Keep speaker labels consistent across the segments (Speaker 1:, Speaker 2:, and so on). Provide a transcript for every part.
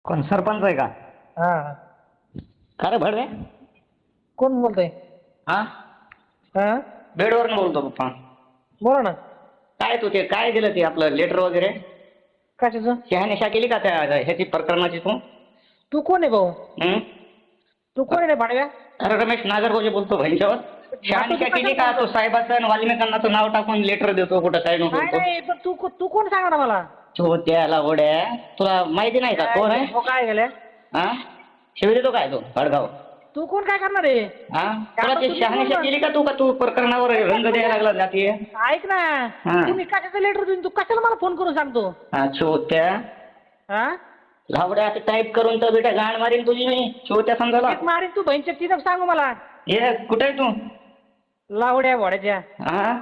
Speaker 1: कोण सरपंच आहे का?
Speaker 2: हा.
Speaker 1: का रे भडवे?
Speaker 2: कोण बोलतोय?
Speaker 1: हा,
Speaker 2: हा,
Speaker 1: बेडवरून बोलतो पप्पा.
Speaker 2: बोला ना.
Speaker 1: काय तू ते काय दिलं ते आपलं लेटर वगैरे
Speaker 2: कशाचं?
Speaker 1: शहानिशा केली का त्या ह्याची प्रकरणाची तू?
Speaker 2: तू कोण आहे भाऊ?
Speaker 1: हं?
Speaker 2: तू कोण आहे रे भाडव्या?
Speaker 1: अरे रमेश नागरगोजे बोलतो भाईंच्यावर. शहानिशा केली का? तो साहेबाचं आणि वाल्मिकांनाचं नाव टाकून लेटर देतो कुठं काय नको.
Speaker 2: नाही नाही, पण तू कोण सांगा ना मला.
Speaker 1: तो त्याला ओढ्या तुला माहिती नाही का कोण आहे?
Speaker 2: हो, काय गेल्या?
Speaker 1: हा, शिवी देतो काय तो भडगाव?
Speaker 2: तू कोण काय करणार आहे?
Speaker 1: हा, तुला ती शहानिशा केली का तू? का तू प्रकरणावर रंग द्यायला लागला जातीय?
Speaker 2: ऐक ना,
Speaker 1: हा.
Speaker 2: तुम्ही कशाचं लेटर देऊन तू कशाला मला फोन करून सांगतो?
Speaker 1: हा, छोट्या
Speaker 2: हा,
Speaker 1: लावड्या आता टाईप करून तर बेटा गाण मारीन तुझी मी छोट्या समजायला.
Speaker 2: एक मारीन तू बहिणच्या तिथं सांगू मला.
Speaker 1: ये कुठे आहे तू?
Speaker 2: लावड्या भोड्याच्या.
Speaker 1: हा,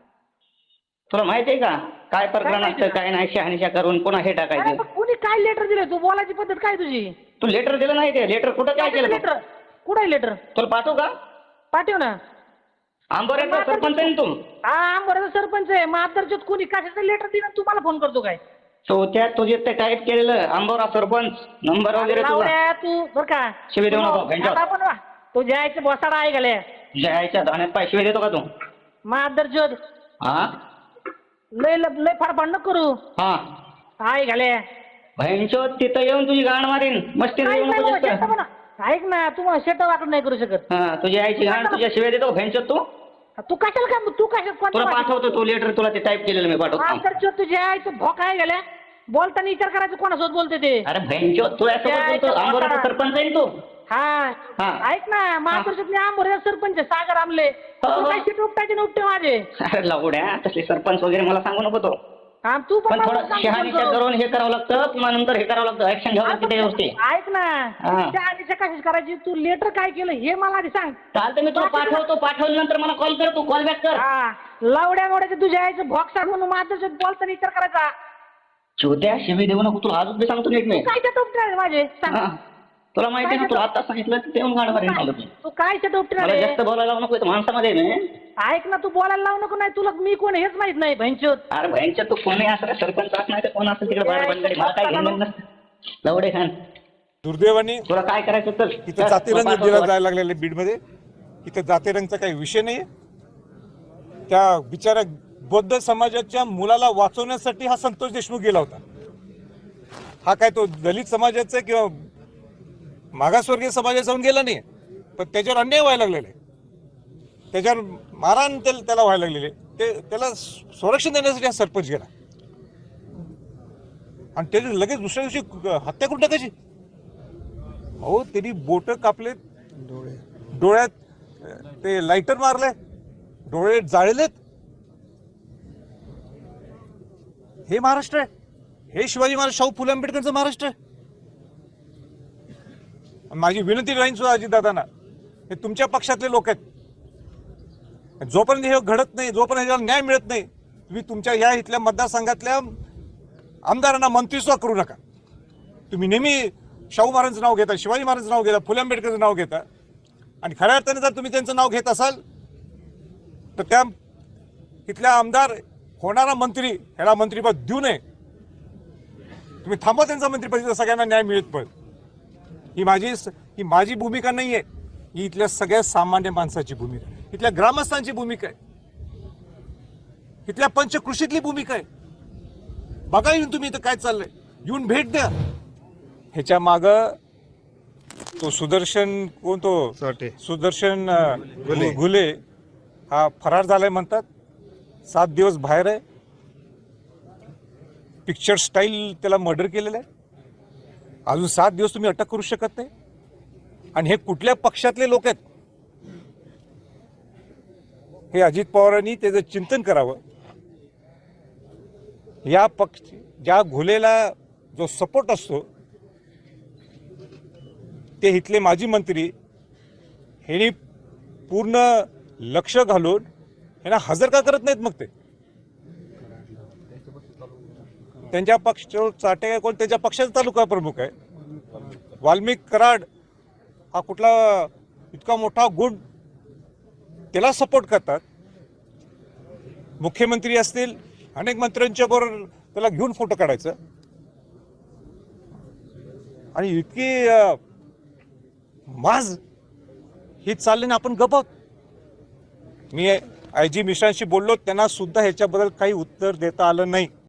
Speaker 1: तुला माहिती आहे का काय प्रकरण
Speaker 2: माहिती
Speaker 1: असतं काय नाही? शहानिशा करून पुन्हा हे
Speaker 2: अरे
Speaker 1: टाकायचं.
Speaker 2: पण कुणी काय लेटर दिलं? तू बोलायची पद्धत काय तुझी?
Speaker 1: तू लेटर दिलं नाही ते लेटर कुठं काय केलं तू?
Speaker 2: लेटर कुठं आहे लेटर?
Speaker 1: तुला पाठवू का?
Speaker 2: पाठव ना.
Speaker 1: आंबोऱ्याचा सरपंच आहे ना तू?
Speaker 2: हा, बरं सरपंच आहे. मग आदरच्यात कोणी कशाचं लेटर दिलं तुम्हाला फोन करतो काय?
Speaker 1: छोट्या तुझे ते टाईप केलेलं आंबोरा सरपंच नंबर वगैरे तुला
Speaker 2: लावड्या तू बरं का?
Speaker 1: शिवी देऊ नको घंटा.
Speaker 2: आता पण वा. तू जायचं बसाडा आहे गेले.
Speaker 1: जायच्या धाण्यात पाय शिवी देतो का तू?
Speaker 2: मग आदरच्यात
Speaker 1: हा
Speaker 2: लय फाडफाड नको करू.
Speaker 1: हा,
Speaker 2: आहे गेले.
Speaker 1: बहिणचो तिथं येऊन तुझी गाण मारीन. मस्ती येऊ नको जास्त.
Speaker 2: ऐक ना, तू मला शेट वाटून नाही करू शकत.
Speaker 1: हा, तुझी आईची गाण तुझ्या शिवाय देतो बहिणचो तू.
Speaker 2: तू कशाला काय? तू कशाला
Speaker 1: तुला पाठवतो तू लेटर. तुला ते टाईप केलेलं मी पाठवतो.
Speaker 2: आदरच्यात तुझ्या आईचं भोक आहे गेल्या. बोलताना विचार करायचं कोणासोबत बोलते ते.
Speaker 1: अरे बहिणचो तुला बोलतो आंबोऱ्याचा सरपंच आहे ना तू.
Speaker 2: हा,
Speaker 1: हा.
Speaker 2: ऐक ना, महापुरुषात मी आंबोऱ्याचा सरपंच आहे, सागर आमले. तू काय सीट उपटायचे ना उपटे माझे.
Speaker 1: अरे लावड्या तसले सरपंच वगैरे मला सांगू नको तो.
Speaker 2: हा, तू
Speaker 1: पण थोडं शहानिशा करून हे करावं लागतं. पुन्हा नंतर हे करावं लागतं. ऍक्शन घ्यावं लागते त्या गोष्टी.
Speaker 2: ऐक ना, शहानिशा कशाच करायची? तू लेटर काय केलं हे मला आधी सांग.
Speaker 1: चालतं मी तुला पाठवतो. पाठवल्यानंतर मला कॉल कर. तू कॉल बॅक कर.
Speaker 2: हा, लावड्या मोड्याचं तुझ्या आईचं भोक सांग म्हणून माझं बोलताना विचार करायचा.
Speaker 1: छोट्या शिवी देऊ नको. तुला अजून बी सांगतो नीट मी.
Speaker 2: काय सेट उपटे माझे सांग.
Speaker 1: हा, तुला माहिती आहे ना तुला आता सांगितलं ते येऊन गाणं मारीन मला तू.
Speaker 2: तू काय सेट उपटे
Speaker 1: मला जास्त बोलायला लावू नको. माणसामध्ये मी.
Speaker 2: ऐक ना, तू बोलायला लावू नको. नाही तुला मी कोण हेच माहित नाही भैंचोत.
Speaker 1: अरे बहिणच्या तू कोणी असं सरपंच असं नाही तर कोण असेल तिकडे बाहेर बंद मला काय घेणं नसतं. लवडे खान
Speaker 3: दुर्दैवाने
Speaker 1: तुला काय करायचं चल.
Speaker 3: इथं जातीरंग दिला जायला लागलेला बीडमध्ये. इथं जातीरंगचा काही विषय नाही. त्या बिचारा बौद्ध समाजाच्या मुलाला वाचवण्यासाठी हा संतोष देशमुख गेला होता. हा काय तो दलित समाजाचा किंवा मागासवर्गीय समाजाचा जाऊन गेला नाही, पण त्याच्यावर अन्याय व्हायला लागलेले, त्याच्यावर मारहाण त्याला व्हायला लागलेले, त्याला संरक्षण देण्यासाठी हा सरपंच गेला आणि त्याची लगेच दुसऱ्या दिवशी हत्या करून टाकायची. अहो त्यांनी बोट कापलेत, डोळ्यात ते लायटर मारले, डोळे जाळलेत. हे महाराष्ट्र आहे? हे शिवाजी महाराज शाहू फुले आंबेडकरचं महाराष्ट्र आहे? माझी विनंती राहीन सुद्धा अजितदादांना, हे तुमच्या पक्षातले लोक आहेत. जोपर्यंत हे घडत नाही, जोपर्यंत ह्याला न्याय मिळत नाही, तुम्ही तुमच्या या इथल्या मतदारसंघातल्या आमदारांना मंत्री सुद्धा करू नका. तुम्ही नेहमी शाहू महाराजांचं नाव घेता, शिवाजी महाराजांचं नाव घेता, फुले आंबेडकरचं नाव घेता, आणि खऱ्या अर्थाने जर तुम्ही त्यांचं नाव घेत असाल तर त्या इथल्या आमदार होणारा मंत्री ह्याला मंत्रिपद देऊ नये. तुम्ही थांबवा त्यांचा मंत्रिपद, सगळ्यांना न्याय मिळत पण. ही माझी भूमिका नाही आहे, ही इथल्या सगळ्या सामान्य माणसाची भूमिका आहे, इथल्या ग्रामस्थांची भूमिका आहे, इथल्या पंचकृषीतली भूमिका आहे. बघा येऊन तुम्ही इथं काय चाललंय, येऊन भेट द्या. ह्याच्या माग तो सुदर्शन कोण, तो सुदर्शन घुले हा फरार झालाय म्हणतात. 7 दिवस बाहेर आहे. पिक्चर स्टाईल त्याला मर्डर केलेलं आहे. अजून 7 दिवस तुम्ही अटक करू शकत नाही. आणि हे कुठल्या पक्षातले लोक आहेत हे अजित पवारांनी त्याचं चिंतन करावं. या पक्ष ज्या घुलेला जो सपोर्ट असतो ते इथले माजी मंत्री ह्यांनी पूर्ण लक्ष घालून ह्यांना हजर का करत नाहीत? मग ते त्यांच्या पक्ष चाटे कोण त्यांच्या पक्षाचा तालुका प्रमुख आहे. वाल्मिक कराड हा कुठला इतका मोठा गुण, त्याला सपोर्ट करतात. मुख्यमंत्री असतील, अनेक मंत्र्यांच्या बरोबर त्याला घेऊन फोटो काढायचं. आणि इतकी माज ही चालली ना, आपण गप आहोत. मी IG मिश्रांशी बोललो, त्यांना सुद्धा ह्याच्याबद्दल काही उत्तर देता आलं नाही.